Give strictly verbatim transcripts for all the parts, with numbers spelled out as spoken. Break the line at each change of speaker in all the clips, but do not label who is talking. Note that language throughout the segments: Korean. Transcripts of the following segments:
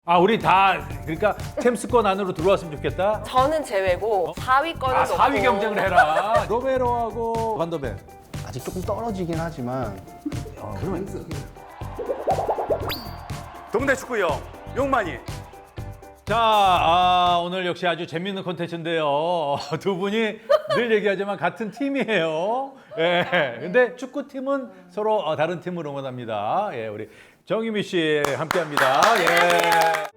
아, 우리 다 그러니까 챔스권 안으로 들어왔으면 좋겠다.
저는 제외고 사 위권은
아, 사 위 경쟁을 해라. 로메로하고 반더벤.
아직 조금 떨어지긴 하지만
아, 그러면
동네 축구형 용만이.
자, 아, 오늘 역시 아주 재밌는 콘텐츠인데요. 두 분이 늘 얘기하지만 같은 팀이에요. 예. 근데 축구팀은 서로 어, 다른 팀을 응원합니다. 예, 우리 정유미 씨 함께합니다. 예.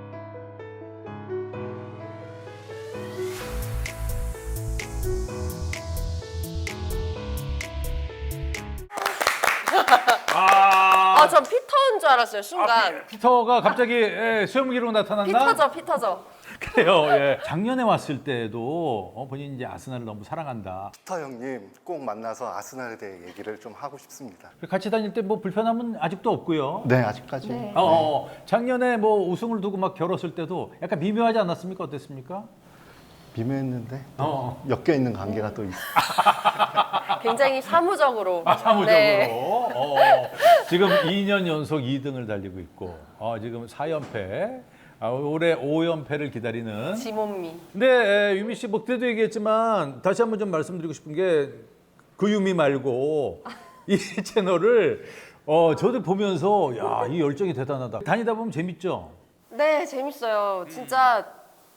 아,
아, 전 피터인 줄 알았어요, 순간.
피터가 갑자기 예, 수염기로 나타났나?
피터죠, 피터죠.
그래요. 예. 작년에 왔을 때도 어, 본인이 이제 아스날을 너무 사랑한다.
피터 형님 꼭 만나서 아스날에 대해 얘기를 좀 하고 싶습니다.
같이 다닐 때 뭐 불편함은 아직도 없고요.
네, 아직까지.
네.
어, 어, 작년에 뭐 우승을 두고 막 겨뤘을 때도 약간 미묘하지 않았습니까? 어땠습니까?
미묘했는데
어.
엮여 있는 관계가 또 있어요.
굉장히 사무적으로.
아, 사무적으로.
네.
어, 지금 이 년 연속 이 등을 달리고 있고, 어, 지금 사 연패, 아, 올해 오 연패를 기다리는.
지몬미.
근데 에, 유미 씨, 뭐 그때도 얘기했지만 다시 한번 좀 말씀드리고 싶은 게 그 유미 말고 이 채널을 어, 저도 보면서 야, 이 열정이 대단하다. 다니다 보면 재밌죠?
네, 재밌어요. 진짜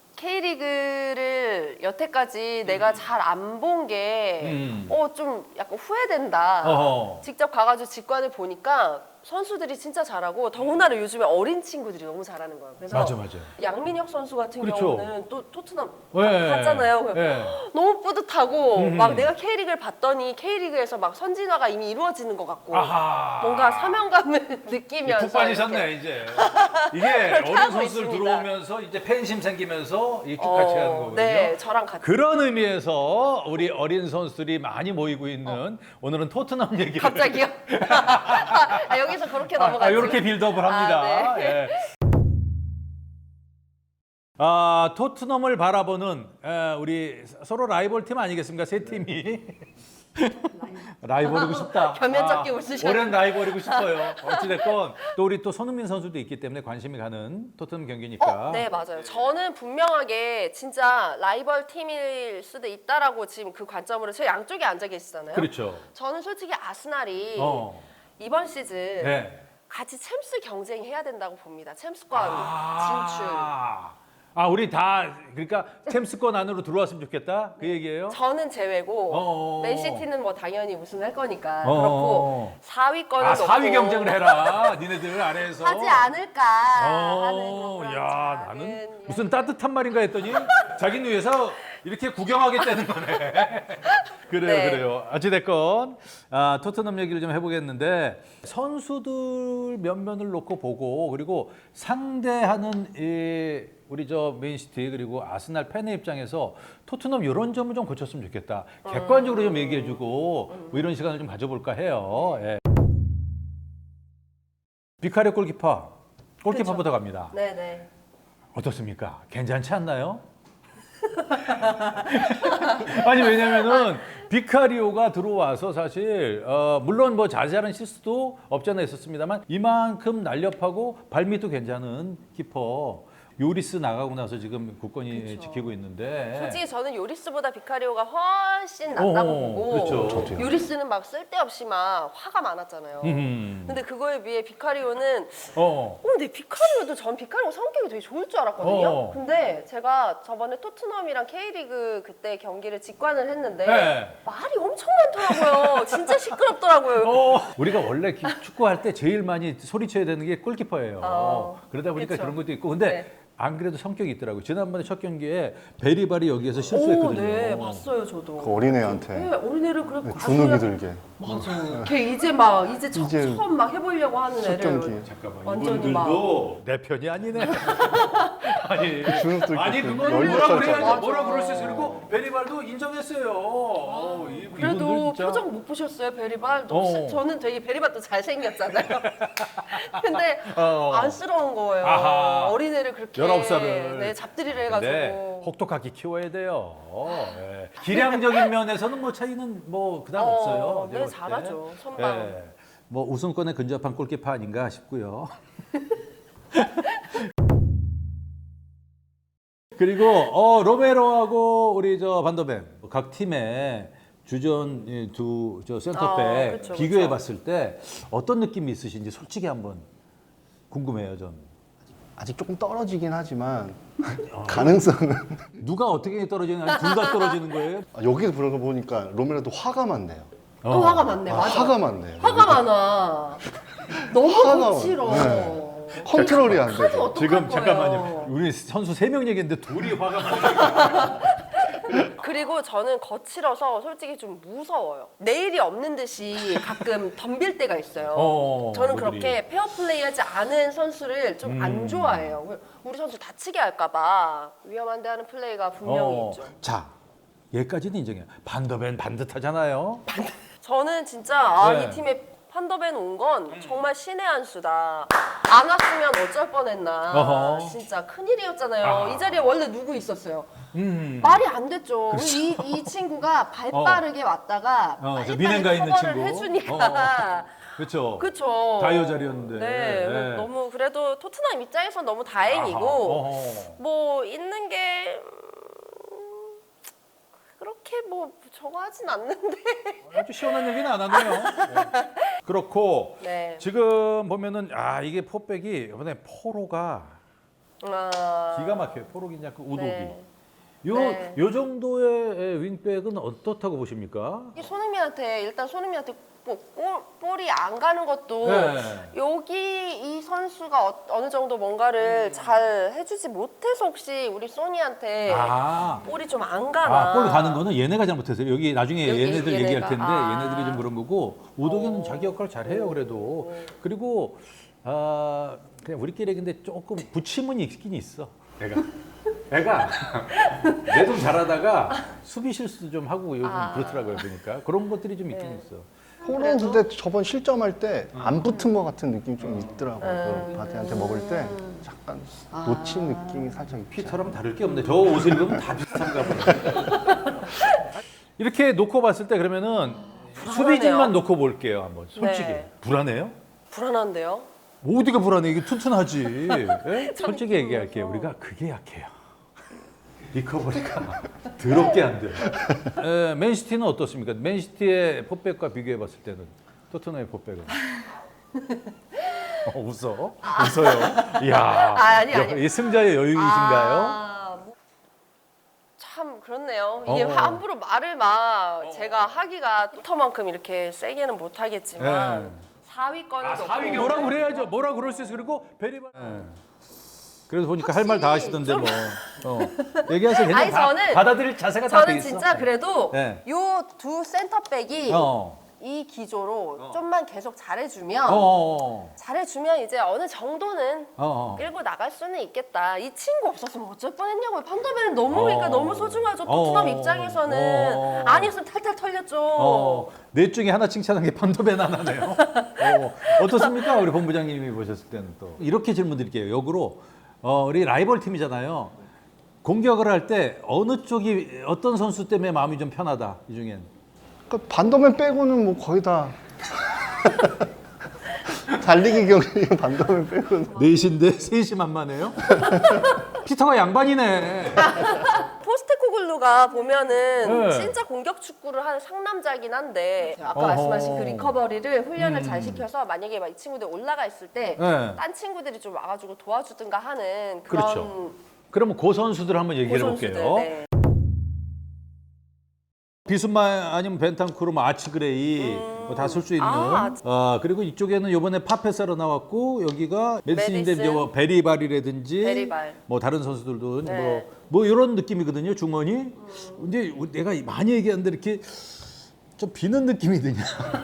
K리그를 여태까지 내가 잘 안 본 게,
음.
어, 좀 약간 후회된다.
어허.
직접 가가지고 직관을 보니까 선수들이 진짜 잘하고, 더군다나 요즘에 어린 친구들이 너무 잘하는 거예요. 그래서
맞아, 맞아.
양민혁 선수 같은
그렇죠.
경우는 또 토트넘
네.
갔잖아요. 그래서
네.
너무 뿌듯하고,
음.
막 내가 K리그를 봤더니 K리그에서 막 선진화가 이미 이루어지는 것 같고,
아하.
뭔가 사명감을 느끼면서.
푹 빠지셨네
이렇게.
이제. 이게
그렇게
어린
하고
선수들
있습니다.
들어오면서 이제 팬심 생기면서 이렇게
어,
같이 하는 거거든요.
네, 저랑 같이.
그런 의미에서 우리 어린 선수들이 많이 모이고 있는 오늘은 토트넘 얘기를
갑자기요? 아, 여기서 그렇게
아,
넘어가지.
이렇게 빌드업을 합니다.
아, 네.
예. 아, 토트넘을 바라보는 에, 우리 서로 라이벌 팀 아니겠습니까? 세 팀이. 라이벌이고 싶다.
겸연 끼고 쓰셨네.
오랜 라이벌이고 싶어요. 어찌됐건 또 우리 또 손흥민 선수도 있기 때문에 관심이 가는 토트넘 경기니까.
어, 네, 맞아요. 저는 분명하게 진짜 라이벌 팀일 수도 있다라고 지금 그 관점으로 저 양쪽에 앉아 계시잖아요.
그렇죠.
저는 솔직히 아스날이
어.
이번 시즌
네.
같이 챔스 경쟁해야 된다고 봅니다. 챔스권 진출.
아, 아, 우리 다 그러니까 챔스권 안으로 들어왔으면 좋겠다. 그 얘기예요?
저는 제외고
어어.
맨시티는 뭐 당연히 우승할 거니까
어어.
그렇고 사 위권은
아, 사 위 경쟁을 해라. 니네들 안에서.
하지 않을까 하는
어,
그런
야,
작은
나는
이야기.
무슨 따뜻한 말인가 했더니 자기는 위해서 이렇게 구경하겠다는 거네. 그래요,
네.
그래요. 어찌됐건 아, 토트넘 얘기를 좀 해보겠는데 선수들 면면을 놓고 보고 그리고 상대하는 이 우리 저 맨시티 그리고 아스날 팬의 입장에서 토트넘 이런 점을 좀 고쳤으면 좋겠다. 객관적으로 좀 얘기해주고 뭐 이런 시간을 좀 가져볼까 해요. 예. 비카리오 골키퍼, 골키퍼부터 갑니다.
네네.
어떻습니까? 괜찮지 않나요? 아니 왜냐면은 비카리오가 들어와서 사실 어, 물론 뭐 자세한 실수도 없지 않아 있었습니다만 이만큼 날렵하고 발밑도 괜찮은 키퍼 요리스 나가고 나서 지금 굳건히
그쵸.
지키고 있는데
솔직히 저는 요리스보다 비카리오가 훨씬 낫다고
어어,
보고
그렇죠.
저도요.
요리스는 막 쓸데없이 막 화가 많았잖아요.
음.
근데 그거에 비해 비카리오는
어.
어, 근데 비카리오도 전 비카리오 성격이 되게 좋을 줄 알았거든요.
어.
근데 제가 저번에 토트넘이랑 K리그 그때 경기를 직관을 했는데
네.
말이 엄청 많더라고요. 진짜 시끄럽더라고요.
어, 우리가 원래 기- 축구할 때 제일 많이 소리쳐야 되는 게 골키퍼예요.
어,
그러다 보니까
그쵸.
그런 것도 있고. 근데
네.
안 그래도 성격이 있더라고요. 지난번에 첫 경기에 베리발이 여기에서
오,
실수했거든요.
네, 봤어요, 저도.
그 어린애한테
네, 어린애를 그래
네,
아주
주눅이 들게
맞아요. 걔 이제 막 이제, 처,
이제
처음 막 해보려고 하는
첫
애를
경기.
잠깐만,
완전히
이분들도 내 편이 아니네. 아니,
주눅도
아니
있고
그건
열두
뭐라
살짜리.
그래야지,
맞아.
뭐라 그럴 수 있어. 그리고 베리발도 인정했어요. 어, 이-
그래도
이분들 진짜.
표정 못 보셨어요, 베리발?
어.
너 저는 되게 베리발도 잘생겼잖아요. 근데
어.
안쓰러운 거예요.
아하.
어린애를 그렇게
열아홉 살을.
네, 잡들이를
네,
해가지고.
혹독하게 키워야 돼요. 예. 기량적인 면에서는 뭐 차이는 뭐 그다음
어,
없어요.
네,
내가 볼 때.
잘하죠. 선방.
예. 뭐 우승권에 근접한 골키퍼 아닌가 싶고요. 그리고 어, 로메로하고 우리 저 반더벤 각 팀의 주전 두 저 센터백
아, 그쵸,
비교해
그쵸.
봤을 때 어떤 느낌이 있으신지 솔직히 한번 궁금해요, 전.
아직 조금 떨어지긴 하지만 가능성은
누가 어떻게 떨어지는 아니 둘 다 떨어지는 거예요?
아, 여기서 보는 거 보니까 로메로도 화가 많네요.
또 화가 많네.
아,
맞아.
화가 많네요.
화가 많아. 너무
화가
거칠어.
많아. 네. 컨트롤이 안
어떡하지,
되죠.
어떡할
지금
거예요?
잠깐만요. 우리 선수 세 명 얘기했는데 둘이 화가 많아요.
그리고 저는 거칠어서 솔직히 좀 무서워요. 내일이 없는 듯이 가끔 덤빌 때가 있어요.
어,
저는
그들이.
그렇게 페어플레이하지 않은 선수를 좀 안
음.
좋아해요. 우리 선수 다치게 할까봐 위험한데 하는 플레이가 분명히
어,
있죠.
자, 얘까지는 인정해요. 반더벤 반듯하잖아요.
저는 진짜 아,
네.
이 팀에 판더벤 온 건 정말 신의 한 수다. 안 왔으면 어쩔 뻔했나.
어허.
진짜 큰일이었잖아요.
아.
이 자리에 원래 누구 있었어요?
음.
말이 안 됐죠. 이, 이 친구가 발
어.
빠르게 왔다가
어, 저
빨리
민행가
빨리
있는
커버를
친구.
해주니까
그렇죠.
그쵸.
다이어 자리였는데.
네,
네.
너무 그래도 토트넘 입장에선 너무 다행이고
아하, 어허.
뭐 있는 게 음, 그렇게 뭐 저거 하진 않는데.
아주 시원한 얘기는 안 하네요. 네. 그렇고
네.
지금 보면은 아 이게 포백이 이번에 포로가
아,
기가 막혀요. 포로기냐 그 우독이.
네.
요,
네.
요 정도의 윙백은 어떻다고 보십니까?
이 손흥민한테 일단 손흥민한테 뭐 볼, 볼이 안 가는 것도
네.
여기 이 선수가 어, 어느 정도 뭔가를 잘 해주지 못해서 혹시 우리 소니한테
아,
볼이 좀 안 가나.
아, 골 가는 거는 얘네가 잘못했어요. 여기 나중에
여기
얘네들
얘네가.
얘기할 텐데
아.
얘네들이 좀 그런 거고 우독이는
어.
자기 역할 잘해요. 그래도 그리고 아 그냥 우리끼리 근데 조금 부침은 있긴 있어. 애가 애가 내 좀 잘하다가 수비 실수도 좀 하고 요즘
아.
그렇더라고요. 보니까 그런 것들이 좀 있긴
네.
있어.
포로는
그래도?
근데 저번 실점할 때 안 붙은 것 같은 느낌이 좀 있더라고요.
음.
그 바티한테 먹을 때 약간
아.
놓친 느낌이 살짝 있죠.
피터랑 다를 게 없네. 저 옷을 입으면 다 비슷한가 보네. 이렇게 놓고 봤을 때 그러면은 수비진만 놓고 볼게요. 한번 솔직히
네.
불안해요?
불안한데요?
어디가 불안해? 이게 튼튼하지. 예? 솔직히 얘기할게요. 우리가 그게 약해요. 리커버리가 더럽게 안 돼요. 에, 맨시티는 어떻습니까? 맨시티의 포백과 비교해봤을 때는 토트넘의 포백은. 어, 웃어? 웃어요? 이야,
아, 아니, 아니.
이 승자의 여유이신가요?
아, 뭐, 참 그렇네요. 이게
어.
함부로 말을 막 제가 하기가 토터만큼 이렇게 세게는 못 하겠지만
네.
사 위권을 놓고
뭐라 그래야죠. 뭐라 그럴 수 있어. 그리고 베리바. 그래서 보니까 할 말 다 하시던데 뭐. 어. 얘기하세요.
아니,
그냥 다
저는-
받아들일 자세가 다 돼
저는
있어.
진짜 그래도
네.
요 두 센터백이
어.
이 기조로 좀만 계속 잘해주면
어. 어.
잘해주면 이제 어느 정도는
어. 어.
끌고 나갈 수는 있겠다. 이 친구 없었으면 어쩔 뻔했냐고요. 판더벤은 너무 그러니까
어.
너무 소중하죠.
어.
토트넘 입장에서는
어.
아니었으면 탈탈 털렸죠.
어, 넷 중에 하나 칭찬한 게 판도벤 하나네요. 어, 어떻습니까? 우리 본부장님이 보셨을 때는 또. 이렇게 질문 드릴게요. 역으로 어, 우리 라이벌 팀이잖아요. 공격을 할 때 어느 쪽이 어떤 선수 때문에 마음이 좀 편하다 이 중엔.
그러니까 반도맨 빼고는 뭐 거의 다 달리기 경기 반도맨 빼고는
넷인데 셋이 만만해요? 피터가 양반이네.
포스테코글루가 보면은
네.
진짜 공격 축구를 하는 상남자긴 한데 아까
어허.
말씀하신 그 리커버리를 훈련을
음.
잘 시켜서 만약에 막 이 친구들 올라가 있을 때
네.
딴 친구들이 좀 와가지고 도와주든가 하는 그런
그렇죠. 그러면 그 선수들 한번 얘기해
고선수들,
볼게요.
네.
비순마 아니면 벤탄쿠르, 뭐 아치그레이 뭐 다 쓸 수 있는.
아,
아 그리고 이쪽에는 이번에 파페사로 나왔고 여기가 메디슨인데
메디슨.
이제 뭐 베리발이라든지
베리발.
뭐 다른 선수들도
네.
뭐, 뭐 이런 느낌이거든요 중원이. 근데 내가 많이 얘기하는데 이렇게 좀 비는 느낌이 드냐.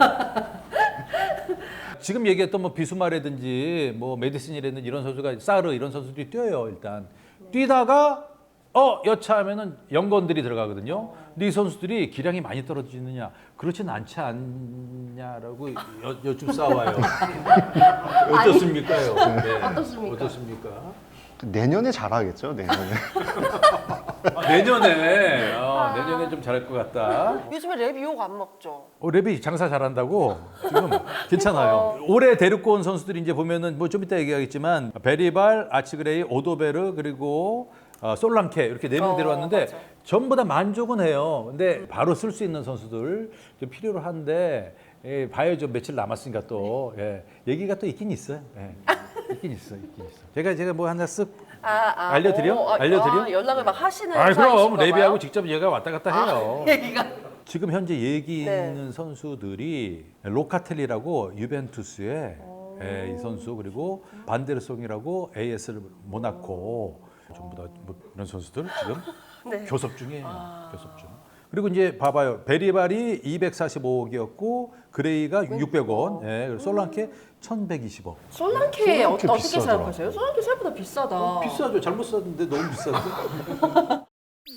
지금 얘기했던 뭐 비수마라든지 뭐 메디슨이라든지 이런 선수가 사르 이런 선수들이 뛰어요 일단. 뛰다가 어 여차하면은 연건들이 들어가거든요. 근데 이 선수들이 기량이 많이 떨어지느냐 그렇진 않지 않냐라고 여, 여쭈 싸워요. 어떻습니까요? 네.
어떻습니까?
어떻습니까?
내년에 잘하겠죠 내년에.
아, 내년에 어, 내년에 좀 잘할 것 같다.
요즘에 랩 욕 안 먹죠.
어, 랩이 장사 잘한다고 지금 괜찮아요. 올해 데리고 온 선수들이 이제 보면은 뭐 좀 이따 얘기하겠지만 베리발, 아치그레이, 오도베르 그리고 어, 솔랑케 이렇게 네 명
어,
데려왔는데
맞아.
전부 다 만족은 해요. 근데 바로 쓸 수 있는 선수들 좀 필요로 한데 예, 봐야죠. 며칠 남았으니까 또 예, 얘기가 또 있긴 있어요. 예, 있긴 있어, 있긴 있어. 제가 제가 뭐 하나 쓱
아, 아,
알려드려?
어, 아,
알려드려?
아, 연락을 막 하시는
아, 그럼
사이신가
레비하고
봐요?
직접 얘가 왔다 갔다 해요.
아, 얘기가
지금 현재 얘기
네.
있는 선수들이 로카텔리라고 유벤투스의 예, 이 선수 그리고 반데르송이라고 에이에스 모나코 전부 다 뭐 이런 선수들 지금
네.
교섭 중이에요.
아.
교섭 중. 그리고 이제 봐봐요. 베리발이 이백사십오억이었고 그레이가 육백 원, 예, 그리고 솔랑케 천백이십 억.
솔랑케 어,
솔랑케
어떻게
비싸더라.
생각하세요? 솔랑케 생각보다 비싸다.
비싸죠. 잘못 샀는데 너무 비싼데.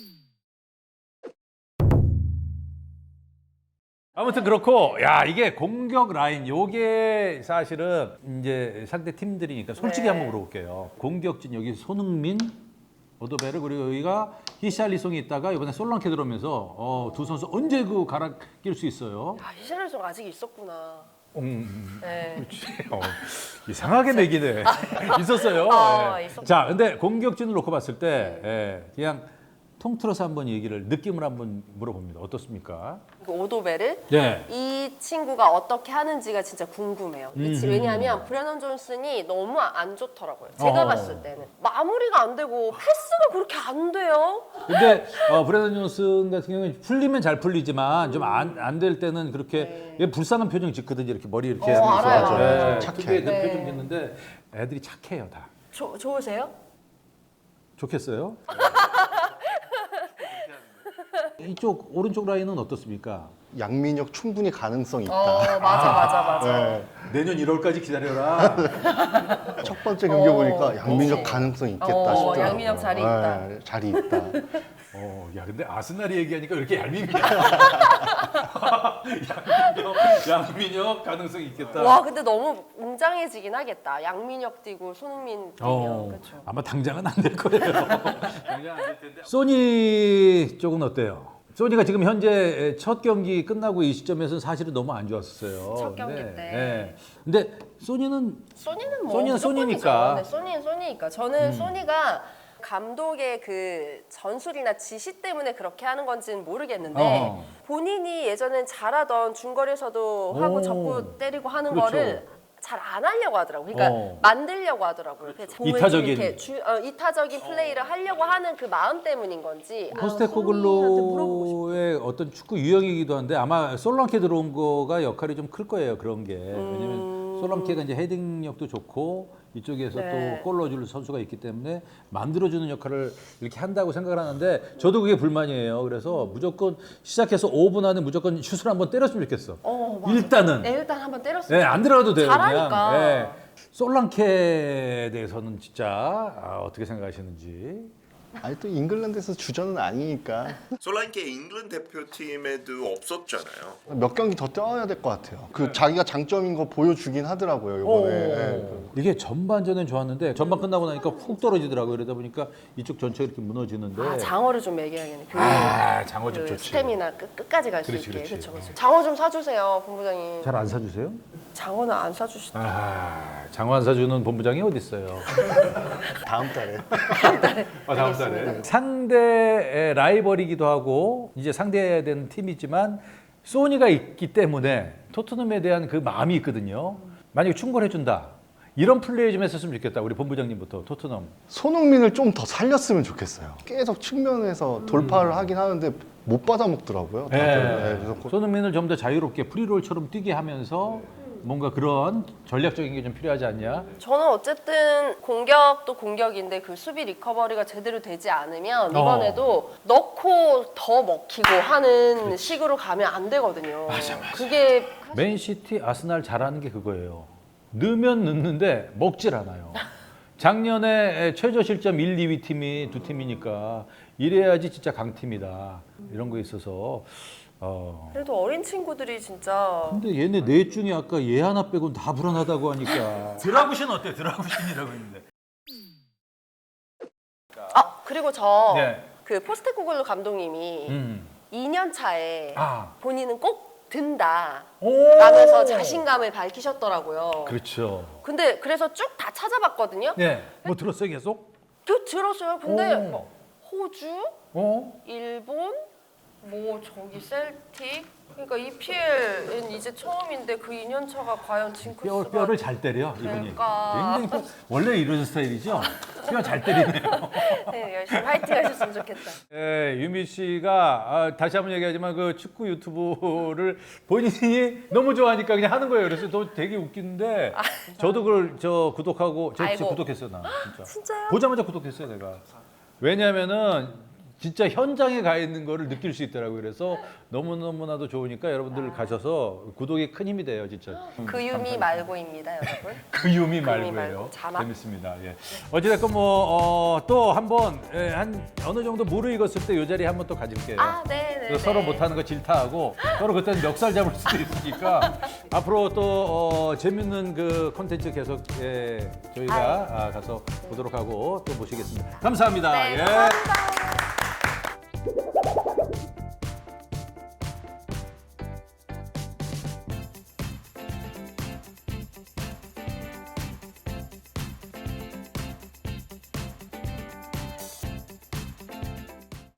아무튼 그렇고 야 이게 공격 라인 요게 사실은 이제 상대 팀들이니까 솔직히
네.
한번 물어볼게요. 공격진 여기 손흥민, 오도베르 그리고 여기가 히샬리송이 있다가 이번에 솔랑케 들어오면서 어, 두 선수 언제 그 갈아 낄 수 있어요?
야, 히샬리송 아직 있었구나.
음,
네.
어, 이상하게 매기네. 있었어요.
아,
예.
있었구나.
자, 근데 공격진을 놓고 봤을 때 예, 그냥 통틀어서 한번 얘기를 느낌을 한번 물어봅니다. 어떻습니까?
그 오도베르
네.
이 친구가 어떻게 하는지가 진짜 궁금해요. 이 치-
음흠.
왜냐하면 브레넌 존슨이 너무 안 좋더라고요. 제가
어.
봤을 때는 마무리가 안 되고 패스가 그렇게 안 돼요.
근데 어, 브래든 존슨 같은 경우는 풀리면 잘 풀리지만 좀 안 안 될 때는 그렇게 얘 불쌍한 표정 짓거든요. 이렇게 머리 이렇게
어,
하면서
알아요,
알아요.
예,
착해.
특유의 그
네.
표정 짓는데 애들이 착해요 다.
조, 좋으세요?
좋겠어요? 이쪽 오른쪽 라인은 어떻습니까?
양민혁 충분히 가능성 있다.
어 맞아 맞아 맞아.
네.
내년 일월까지 기다려라.
첫 번째 경기
어,
보니까 양민혁
그치.
가능성 있겠다
어,
싶더라고요.
양민혁 자리 있다.
네, 자리 있다.
어, 야 근데 아스날이 얘기하니까 왜 이렇게 얄밉냐? 양민혁, 양민혁 가능성 있겠다.
와 근데 너무 웅장해지긴 하겠다. 양민혁 뛰고 손흥민 뛰면
어,
그렇죠.
아마 당장은 안 될 거예요. 당장 안될 텐데. 소니 쪽은 어때요? 소니가 지금 현재 첫 경기 끝나고 이 시점에서는 사실은 너무 안 좋았었어요.
첫 경기
근데,
때.
예. 근데 소니는
소니는 뭐
소니는
무조건이죠.
소니니까.
네, 소니는 소니니까. 저는 소니가 감독의 그 전술이나 지시 때문에 그렇게 하는 건지는 모르겠는데
어.
본인이 예전엔 잘하던 중거리에서도 하고
오.
접고 때리고 하는
그렇죠.
거를 잘 안 하려고 하더라고요. 그러니까
어.
만들려고 하더라고요. 그래서 공을 좀
이타적인.
이렇게 주, 어, 이타적인 플레이를 하려고 하는 그 마음 때문인 건지. 아, 손흥민한테 물어보고 싶어요.
포스테코글로의 어떤 축구 유형이기도 한데 아마 솔랑케 들어온 거가 역할이 좀 클 거예요. 그런 게. 왜냐면 솔랑케가 이제 헤딩력도 좋고 이쪽에서
네.
또 골 넣어줄 선수가 있기 때문에 만들어주는 역할을 이렇게 한다고 생각을 하는데 저도 그게 불만이에요. 그래서 무조건 시작해서 오 분 안에 무조건 슛을 한번 때렸으면 좋겠어.
어, 맞아.
일단은.
네, 일단 한번 때렸어요.
네, 안 들어가도 돼요.
잘하니까.
그냥. 예. 솔랑케에 대해서는 진짜 아, 어떻게 생각하시는지.
아니 또 잉글랜드에서 주전은 아니니까
솔랑케 잉글랜드 대표팀에도 없었잖아요.
몇 경기 더 뛰어야 될 것 같아요. 그 자기가 장점인 거 보여주긴 하더라고요 이번에. 네.
이게 전반전은 좋았는데 전반 끝나고 나니까 훅 떨어지더라고요. 그러다 보니까 이쪽 전체가 이렇게 무너지는데.
아, 장어를 좀 먹여야겠네. 그,
아, 장어 좀
그
좋지.
스태미나 끝, 끝까지 갈 수
그렇지,
있게.
그렇지.
그렇죠, 그렇죠. 장어 좀 사주세요, 본부장님.
잘 안 사주세요?
장어는 안 사주시다.
아, 장어 안 사주는 본부장이 어디 있어요?
다음 달에.
아, 다음 달에. 상대의 라이벌이기도 하고 이제 상대해야 되는 팀이지만 소니가 있기 때문에 토트넘에 대한 그 마음이 있거든요. 만약에 충고해준다. 이런 플레이 좀 했었으면 좋겠다. 우리 본부장님부터 토트넘.
손흥민을 좀 더 살렸으면 좋겠어요. 계속 측면에서 돌파를 하긴 하는데 못 받아먹더라고요. 다들. 네, 그래서 고-
손흥민을 좀 더 자유롭게 프리롤처럼 뛰게 하면서 뭔가 그런 전략적인 게 좀 필요하지 않냐?
저는 어쨌든 공격도 공격인데 그 수비 리커버리가 제대로 되지 않으면
어.
이번에도 넣고 더 먹히고 하는 식으로 가면 안 되거든요.
맞아, 맞아.
그게
맨시티, 아스날 잘하는 게 그거예요. 넣으면 넣는데 먹질 않아요. 작년에 최저 실점 일, 이 위 팀이 두 팀이니까 이래야지 진짜 강팀이다. 이런 거 있어서 어.
그래도 어린 친구들이 진짜
근데 얘네 넷 중에 아까 얘 하나 빼고는 다 불안하다고 하니까 드라구신 어때? 드라구신이라고 했는데.
아 그리고 저 그
네.
포스테코글루 감독님이
음.
이 년 차에
아.
본인은 꼭 든다
오.
라면서 자신감을 밝히셨더라고요.
그렇죠.
근데 그래서 쭉 다 찾아봤거든요.
네. 뭐 들었어요 계속?
그 들었어요. 근데
오.
뭐 호주,
어?
일본, 뭐 저기 셀틱. 그러니까 이피엘은 이제 처음인데 그 이 년 차가 과연
뼈,
징크스가
뼈를 잘 때려 이분이.
될까?
굉장히 뼈- 원래 이런 스타일이죠. 뼈 잘 때리네요.
네, 열심히 화이팅 하셨으면 좋겠다.
예, 유미 씨가 아, 다시 한번 얘기하지만 그 축구 유튜브를 본인이 너무 좋아하니까 그냥 하는 거예요. 그래서 또 되게 웃기는데 저도 그걸 저 구독하고 저 진짜
아이고.
구독했어요 나 진짜.
진짜요?
보자마자 구독했어요 내가. 왜냐하면은 진짜 현장에 가 있는 거를 느낄 수 있더라고요. 그래서 너무너무나도 좋으니까 여러분들 가셔서 구독이 큰 힘이 돼요 진짜.
그 유미 말고입니다, 여러분.
그 유미
말고,
말고예요.
자막.
재밌습니다. 예. 어찌됐건 뭐또 한번 예, 한 어느 정도 무르익었을 때 이 자리에 한번 또 가질게요.
아, 네, 네.
그래서 서로 못하는 거 질타하고 서로 그때는 멱살 잡을 수도 있으니까 앞으로 또 어, 재밌는 그 콘텐츠 계속 예, 저희가 아, 가서 보도록 하고 또 모시겠습니다. 감사합니다.
네,
예.
감사합니다.